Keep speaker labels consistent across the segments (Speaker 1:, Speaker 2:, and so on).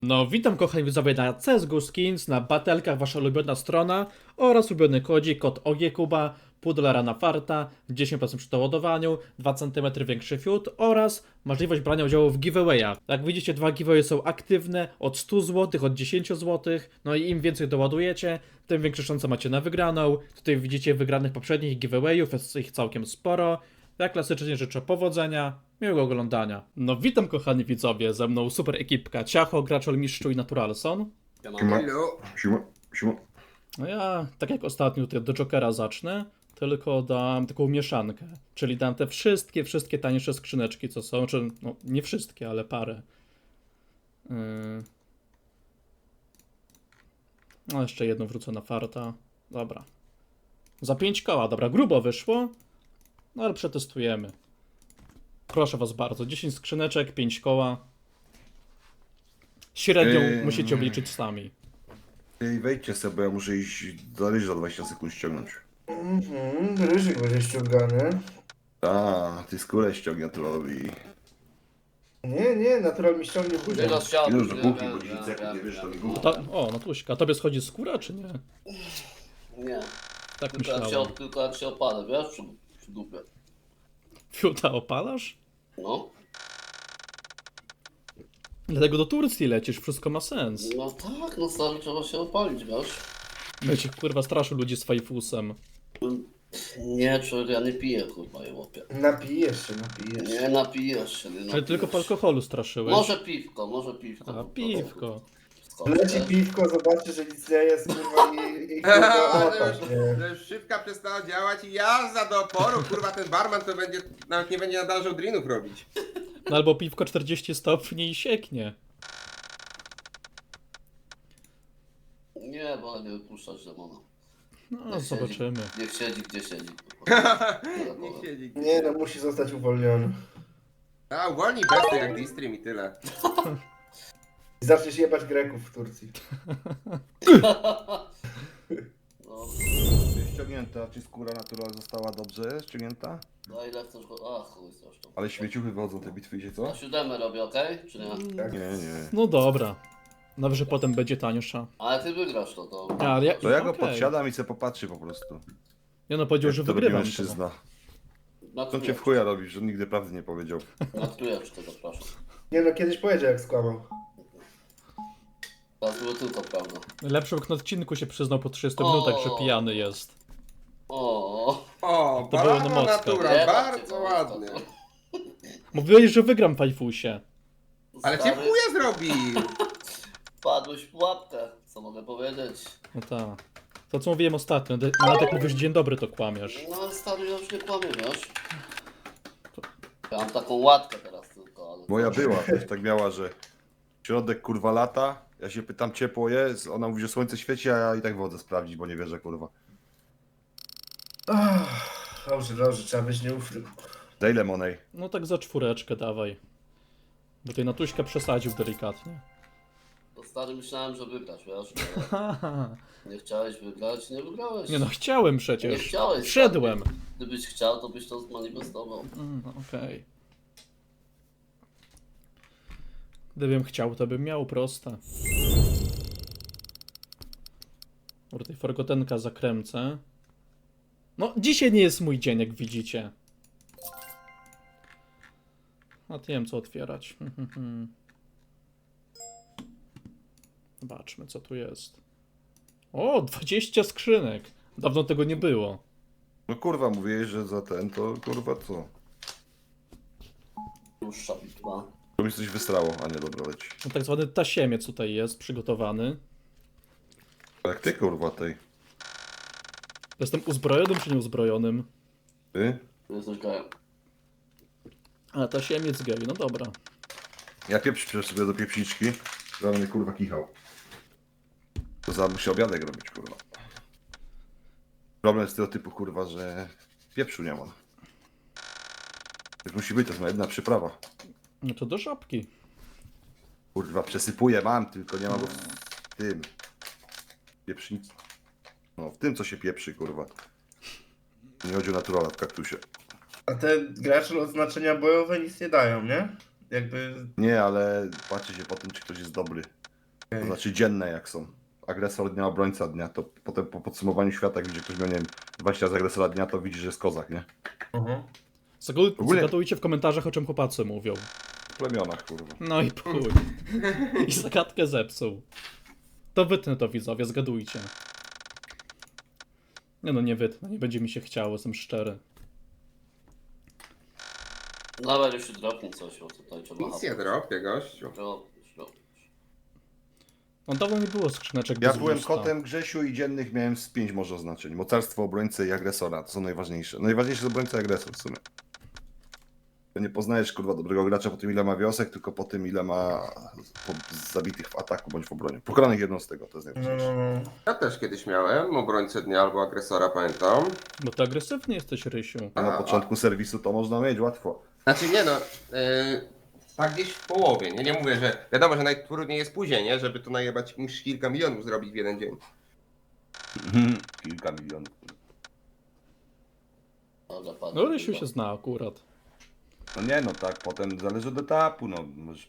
Speaker 1: No, witam kochani widzowie na CSGO Skins, na Batelkach, wasza ulubiona strona oraz ulubiony kodzik, kod OGKuba, $0,5 na farta, 10% przy doładowaniu, 2 cm większy fiut oraz możliwość brania udziału w giveawayach. Jak widzicie, dwa giveawaye są aktywne od 100 zł, od 10 zł, no i im więcej doładujecie, tym większe szanse macie na wygraną. Tutaj widzicie wygranych poprzednich giveawayów, jest ich całkiem sporo. Ja klasycznie życzę powodzenia, miłego oglądania. No witam kochani widzowie, ze mną super ekipka Ciacho, Graczol, Mistrzu i Naturalson.
Speaker 2: Siema.
Speaker 1: No ja, tak jak ostatnio tutaj do Jokera zacznę, tylko dam taką mieszankę. Czyli dam te wszystkie tańsze skrzyneczki co są, czy no nie wszystkie, ale parę. No jeszcze jedną wrócę na farta. Dobra. Za 5 koła, dobra, grubo wyszło. No ale przetestujemy. Proszę was bardzo, 10 skrzyneczek, 5 koła. Średnią musicie obliczyć sami.
Speaker 2: Ej, wejdźcie sobie, bo ja muszę iść do ryż za 20 sekund ściągnąć.
Speaker 3: Ryżyk będzie ściągany.
Speaker 2: A, ty skórę ściągnie trollowi.
Speaker 3: Nie, natural mi ściągnie później.
Speaker 4: Teraz siadł.
Speaker 2: Już do kuchni, bo 10 sekund nie wiesz, to mi głupo.
Speaker 1: O, Natuśka, tobie schodzi skóra, czy nie?
Speaker 4: Nie,
Speaker 1: Tak
Speaker 4: tylko
Speaker 1: myślałem.
Speaker 4: tylko jak się opada, wiesz, przy dupie.
Speaker 1: Fiuta opalasz?
Speaker 4: No,
Speaker 1: Dlatego do Turcji lecisz, wszystko ma sens.
Speaker 4: no tak, no stary, trzeba się opalić, wiesz.
Speaker 1: Będzie kurwa straszył ludzi z fajfusem.
Speaker 4: Nie, człowiek, ja nie piję, kurwa, je łopie.
Speaker 3: Napijesz się.
Speaker 4: Nie napijesz się, nie
Speaker 1: Ale
Speaker 4: napijesz.
Speaker 1: tylko po alkoholu straszyłeś.
Speaker 4: Może piwko.
Speaker 1: A,
Speaker 4: po
Speaker 1: piwko.
Speaker 4: prostu.
Speaker 3: Leci piwko, zobaczy, że nic nie jest, kurwa, i kurwa opasz, nie?
Speaker 5: To już szybka przestała działać i jazda do oporu, kurwa ten barman to będzie, nawet nie będzie nadążał drinów robić.
Speaker 1: No albo piwko 40 stopni i sieknie.
Speaker 4: Nie, bo nie wypuszczać demona.
Speaker 1: No, zobaczymy.
Speaker 4: Niech siedzi, gdzie siedzi. kurwa. Tyle
Speaker 5: Niech
Speaker 4: powiem.
Speaker 5: siedzi.
Speaker 3: Nie, no musi zostać uwolniony.
Speaker 5: A, uwolnij besty jak Distream i tyle.
Speaker 3: I zaczniesz jebać Greków w Turcji.
Speaker 4: No,
Speaker 2: Ściągnięta, czy skóra natural została dobrze ściągnięta?
Speaker 4: no ile chcesz go... A, chuj zresztą.
Speaker 2: Ale śmieciuchy wychodzą te bitwy, wiecie co?
Speaker 4: Na 7 robię, okej? Czy nie?
Speaker 3: Tak.
Speaker 2: Nie, nie.
Speaker 1: No dobra. Dobrze, potem będzie tańsza.
Speaker 4: Ale ty wygrasz to.
Speaker 1: Ale ja,
Speaker 2: To ja go
Speaker 1: okej.
Speaker 2: podsiadam i se popatrzy po prostu.
Speaker 1: Ja no powiedział,
Speaker 2: Jak
Speaker 1: że
Speaker 2: to robi
Speaker 1: wygrywam.
Speaker 2: mężczyzna.
Speaker 4: Na
Speaker 2: To cię w chuja robisz, że nigdy prawdy nie powiedział.
Speaker 4: trójeczkę zapraszam.
Speaker 3: Nie no, kiedyś powiedział jak skłamał.
Speaker 4: Teraz było tylko prawda.
Speaker 1: Lepszy na odcinku się przyznał po 30 minutach, że pijany jest.
Speaker 4: O,
Speaker 5: O,
Speaker 1: To było na
Speaker 5: banana
Speaker 1: mocno.
Speaker 5: natura, bardzo ładnie.
Speaker 1: Mówiłeś, że wygram w fajfusie.
Speaker 5: Ale cię w chuja zrobił!
Speaker 4: Padłeś w pułapkę, co mogę powiedzieć?
Speaker 1: No tak. To co mówiłem ostatnio, nawet jak mówisz dzień dobry, to kłamiesz.
Speaker 4: No ale stary, ja już nie kłamię, wiesz? Ja mam taką łatkę teraz tylko, ale...
Speaker 2: Moja była, też tak miała, że środek kurwa lata, ja się pytam ciepło jest, ona mówi, że słońce świeci, a ja i tak wodę sprawdzić, bo nie wierzę kurwa.
Speaker 3: Dobrze, trzeba być nieufny.
Speaker 2: Daj lemonej.
Speaker 1: No tak za 4 dawaj. Bo tutaj Natuśka przesadził delikatnie.
Speaker 4: To stary, myślałem, że wygrasz, wiesz? Nie chciałeś wygrać, nie wygrałeś.
Speaker 1: Nie no, chciałem
Speaker 4: Nie
Speaker 1: przecież.
Speaker 4: chciałeś.
Speaker 1: Wszedłem.
Speaker 4: Stary. Gdybyś chciał, to byś to zmanifestował.
Speaker 1: No, okej. Gdybym chciał, to bym miał proste. Dobra, tej forgotenka zakręcę. No, dzisiaj nie jest mój dzień, jak widzicie. A nie wiem, co otwierać. Zobaczmy, co tu jest. O, 20 skrzynek. Dawno tego nie było.
Speaker 2: No kurwa, mówiłeś, że za ten, to kurwa co?
Speaker 4: Dłuższa bitwa.
Speaker 2: To mi coś wysrało, a nie dobra leci.
Speaker 1: No, tak zwany tasiemiec tutaj jest przygotowany.
Speaker 2: Jak ty kurwa tej?
Speaker 1: Jestem uzbrojonym czy nieuzbrojonym?
Speaker 2: Ty?
Speaker 4: Jesteś gejem.
Speaker 1: A, tasiemiec gej, no dobra.
Speaker 2: Ja pieprz przecież sobie do pieprzniczki, to mnie kurwa kichał. To za musi obiadek robić kurwa. Problem z tego typu kurwa, że pieprzu nie ma. Tak musi być, to jest moja jedna przyprawa.
Speaker 1: No to do żabki.
Speaker 2: Kurwa, przesypuję, mam, tylko nie ma go w tym. Pieprznicy. No, w tym co się pieprzy kurwa. Nie chodzi o naturala w kaktusie.
Speaker 3: A te gracze oznaczenia bojowe nic nie dają, nie? Jakby...
Speaker 2: Nie, ale patrzy się po tym, czy ktoś jest dobry. To znaczy dzienne jak są. Agresor dnia, obrońca dnia, to potem po podsumowaniu świata, jak widzi ktoś miał, nie wiem, 20 razy agresora dnia, to widzi, że jest kozak, nie?
Speaker 5: Mhm.
Speaker 2: Ogólnie-
Speaker 1: Zagadujcie w komentarzach, o czym chłopacy mówią.
Speaker 2: W plemionach, kurwa.
Speaker 1: No i chuj. I zagadkę zepsuł. To wytnę to, widzowie, zgadujcie. Nie no, nie wytnę, nie będzie mi się chciało, jestem szczery.
Speaker 4: Nawet jeśli dropnie coś, bo tutaj trzeba...
Speaker 5: Nic nie dropię, gościu.
Speaker 4: Dropić.
Speaker 1: No dawno nie było skrzyneczek
Speaker 2: Ja
Speaker 1: bez
Speaker 2: byłem
Speaker 1: gusta.
Speaker 2: kotem Grzesiu i dziennych miałem z 5 może oznaczeń. Mocarstwo, obrońcy i agresora, to są najważniejsze. Najważniejsze jest obrońca i agresor w sumie. To nie poznajesz, kurwa, dobrego gracza po tym, ile ma wiosek, tylko po tym, ile ma zabitych w ataku bądź w obronie. Pokonanych jednostek, to jest najważniejsze.
Speaker 5: Ja też kiedyś miałem obrońcę dnia albo agresora, pamiętam.
Speaker 1: Bo ty agresywny jesteś, Rysiu.
Speaker 2: A na początku serwisu to można mieć łatwo.
Speaker 5: Znaczy nie no, tak gdzieś w połowie, nie? Nie mówię, że wiadomo, że najtrudniej jest później, nie? Żeby to najebać niż kilka milionów zrobić w jeden dzień.
Speaker 2: Kilka milionów.
Speaker 4: Dobra, padł.
Speaker 1: No Rysiu się zna akurat.
Speaker 2: No nie, no tak, potem zależy od etapu, no.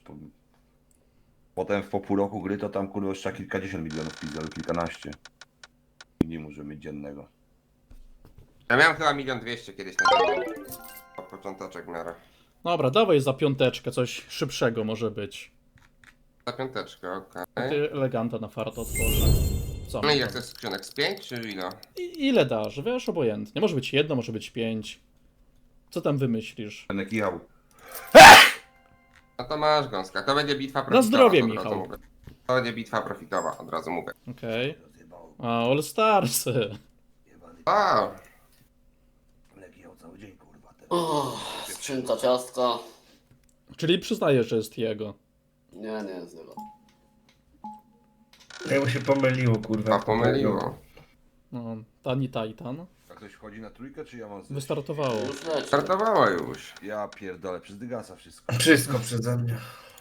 Speaker 2: Potem po pół roku gry to tam, kurwa, już trzeba kilkadziesiąt milionów pić, albo kilkanaście. I nie może mieć dziennego.
Speaker 5: Ja miałem chyba 1 200 000 kiedyś na ten począteczek w miarę.
Speaker 1: Dobra, dawaj za piąteczkę, coś szybszego może być.
Speaker 5: Za piąteczkę, okej.
Speaker 1: Ty eleganta na farta otworzę. Co?
Speaker 5: No i jak to jest skrzynek? Z 5 czy ile?
Speaker 1: Ile dasz? Wiesz, obojętnie. Może być 1, może być 5. Co tam wymyślisz?
Speaker 2: Będę kichał.
Speaker 5: No to masz gąska. To będzie bitwa profitowa.
Speaker 1: zdrowie,
Speaker 5: to od razu
Speaker 1: Michał.
Speaker 5: mówię. To będzie bitwa profitowa, od razu mówię.
Speaker 1: Okej. A, All Starsy.
Speaker 5: A,
Speaker 2: Będę kichał cały dzień, kurwa.
Speaker 4: Skrzynka ciastka.
Speaker 1: Czyli przyznajesz, że jest jego.
Speaker 4: Nie, nie, zero.
Speaker 3: Jak mu się pomyliło, kurwa.
Speaker 5: pomyliło.
Speaker 1: No, Tani Titan.
Speaker 2: A ktoś wchodzi na trójkę, czy ja mam zejść?
Speaker 1: Wystartowało.
Speaker 4: Już leci.
Speaker 5: Startowała już.
Speaker 2: Ja pierdolę, przez dygasa wszystko.
Speaker 3: Wszystko przeze mnie.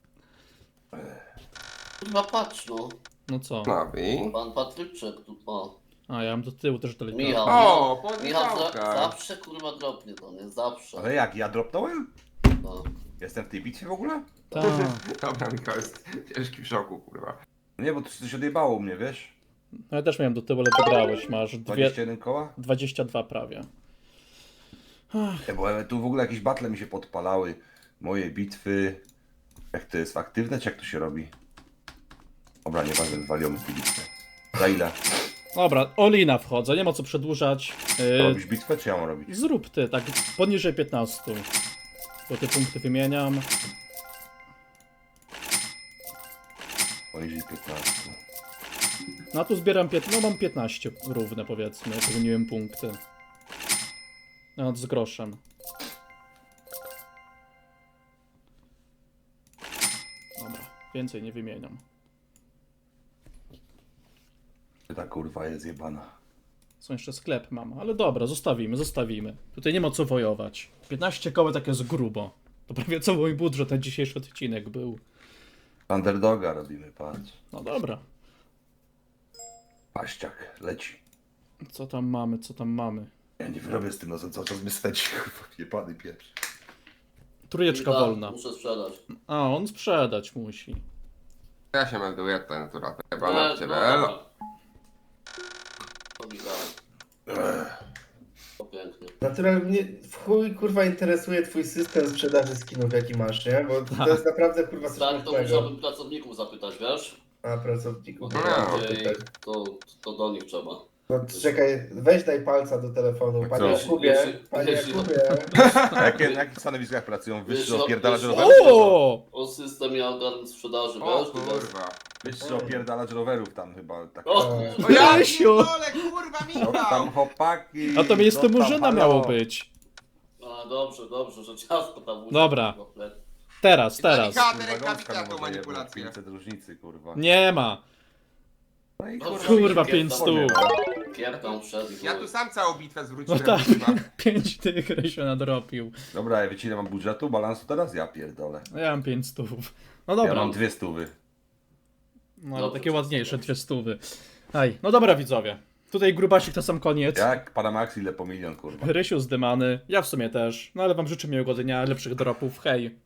Speaker 4: Kurwa, patrz no.
Speaker 1: No co?
Speaker 5: No i...
Speaker 4: Pan Patryczek tu, o.
Speaker 1: A, ja mam do tyłu też delikatnie.
Speaker 4: Michał.
Speaker 5: O,
Speaker 4: Michał
Speaker 5: podniechałka.
Speaker 4: zawsze kurwa dropnie to, nie? Zawsze.
Speaker 2: Ale jak, ja dropnąłem?
Speaker 4: No.
Speaker 2: Jestem w tej bitwie w ogóle?
Speaker 1: Ta.
Speaker 5: Dobra, Michał jest ciężki w szoku, kurwa.
Speaker 2: Nie, bo to coś odjebało u mnie, wiesz?
Speaker 1: No ja też miałem do tyłu, ale wygrałeś. Masz
Speaker 2: 21 koła?
Speaker 1: 22 prawie.
Speaker 2: Nie, bo tu w ogóle jakieś battle mi się podpalały. Moje bitwy. Jak to jest, aktywne, czy jak to się robi? Dobra, nieważne, waliłem z tej bitwy. Za ile?
Speaker 1: Dobra, Olina wchodzę, nie ma co przedłużać.
Speaker 2: Robisz bitwę, czy ja mam robić?
Speaker 1: Zrób ty, tak poniżej 15. Bo te punkty wymieniam.
Speaker 2: Poniżej 15.
Speaker 1: No a tu zbieram no mam 15 równe powiedzmy, jak wymieniłem punkty. Nawet z groszem. Dobra, więcej nie wymieniam.
Speaker 2: Ta kurwa jest jebana.
Speaker 1: Są jeszcze sklep mam, ale dobra, zostawimy. Tutaj nie ma co wojować. 15 koła tak jest grubo. To prawie co mój budżet na dzisiejszy odcinek był.
Speaker 2: Underdoga robimy, patrz.
Speaker 1: No dobra.
Speaker 2: Paściak, leci.
Speaker 1: Co tam mamy?
Speaker 2: Ja nie wyrobię z tym nosem, cały czas mnie swędzi, kurwa, jebany pieprz.
Speaker 1: Trójeczka
Speaker 4: Michał,
Speaker 1: wolna.
Speaker 4: Muszę sprzedać.
Speaker 1: A, on sprzedać musi.
Speaker 5: Ja się melduję, to natura. Chyba
Speaker 4: Nie,
Speaker 5: na ciebie,
Speaker 4: no.
Speaker 5: elo.
Speaker 4: To Michał. To pięknie.
Speaker 3: Naturalnie mnie w chuj, kurwa, interesuje twój system sprzedaży skinów, jaki masz, nie? Bo to jest naprawdę, kurwa, coś
Speaker 4: Tak, to
Speaker 3: nowego.
Speaker 4: musiałbym pracowników zapytać, wiesz?
Speaker 3: A, pracowników.
Speaker 4: Bo
Speaker 5: No,
Speaker 4: to bardziej to do nich trzeba.
Speaker 3: No czekaj, weź daj palca do telefonu. Panie
Speaker 2: Co?
Speaker 3: Jakubie, panie
Speaker 4: Jeśli-
Speaker 3: Jakubie.
Speaker 2: Na jakich stanowiskach pracują? Wyższy
Speaker 4: Wiesz,
Speaker 2: opierdalacz
Speaker 4: wiesz-
Speaker 2: rowerów?
Speaker 1: O!
Speaker 4: O system i organ sprzedaży,
Speaker 5: O
Speaker 4: wiesz?
Speaker 5: kurwa.
Speaker 2: Wyższy opierdalacz rowerów tam chyba. Tak.
Speaker 4: O,
Speaker 5: O ja
Speaker 1: Rysiu!
Speaker 5: pierdolę, kurwa,
Speaker 2: No,
Speaker 5: Michał!
Speaker 2: tam chłopaki.
Speaker 1: A to miejsce
Speaker 2: no tam,
Speaker 1: murzyna
Speaker 2: halo.
Speaker 1: miało być.
Speaker 4: A, dobrze, że ciasto tam użył.
Speaker 1: Dobra. Teraz.
Speaker 5: Michał,
Speaker 2: Kurwa,
Speaker 5: rękawica
Speaker 2: gąska
Speaker 5: tą
Speaker 2: może jebnąć,
Speaker 5: manipulację.
Speaker 2: 500 różnicy, kurwa.
Speaker 1: Nie ma.
Speaker 2: No i
Speaker 1: Kurwa,
Speaker 2: się
Speaker 1: 500.
Speaker 2: pierdolę.
Speaker 4: Kierką wszedł.
Speaker 5: Ja tu sam całą bitwę zwróciłem,
Speaker 1: No tak.
Speaker 5: kurwa.
Speaker 1: 5 tych Rysiu nadrobił.
Speaker 2: Dobra, wiecie ile mam budżetu, balansu teraz? Ja pierdolę.
Speaker 1: No ja mam 500. No
Speaker 2: Ja
Speaker 1: dobra.
Speaker 2: mam 200.
Speaker 1: No ale
Speaker 4: Dobrze,
Speaker 1: takie
Speaker 4: to
Speaker 1: ładniejsze
Speaker 4: jest
Speaker 1: 200. Aj, no dobra widzowie. Tutaj grubasik na sam koniec.
Speaker 2: Jak Panamax ile po milion, kurwa.
Speaker 1: Rysiu zdymany, ja w sumie też. No ale wam życzę miłego dnia, lepszych dropów. Hej.